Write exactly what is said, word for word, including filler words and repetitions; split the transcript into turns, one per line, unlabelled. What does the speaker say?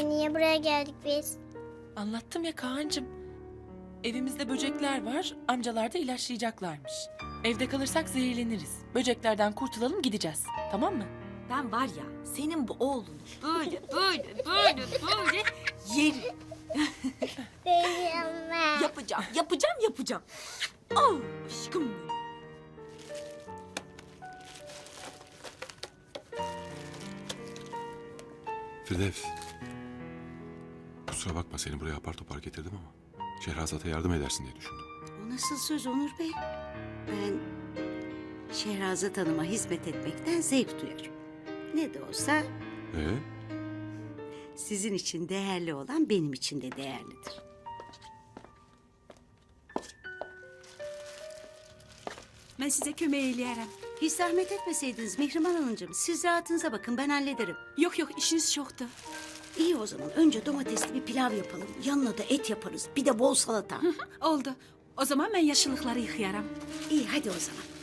Anne niye buraya geldik biz?
Anlattım ya Kaan'cığım. Evimizde böcekler var, amcalar da ilaçlayacaklarmış. Evde kalırsak zehirleniriz. Böceklerden kurtulalım gideceğiz. Tamam mı?
Ben var ya senin bu oğlunu böyle böyle böyle böyle yerim.
Değilim ben.
Yapacağım, yapacağım, yapacağım. Oh aşkım benim.
Firdevs. Kusura bakma seni buraya apar topar getirdim ama Şehrazat'a yardım edersin diye düşündüm.
O nasıl söz Onur Bey? Ben Şehrazat Hanım'a hizmet etmekten zevk duyarım. Ne de olsa
Ee?
sizin için değerli olan benim için de değerlidir.
Ben size kömeği eyleyerem.
Hiç zahmet etmeseydiniz Mihrimah Hanımcığım. Siz rahatınıza bakın, ben hallederim.
Yok yok, işiniz çoktu.
İyi o zaman. Önce domatesli bir pilav yapalım. Yanına da et yaparız. Bir de bol salata.
Oldu. O zaman ben yaşlılıkları yıkayaram.
İyi hadi o zaman.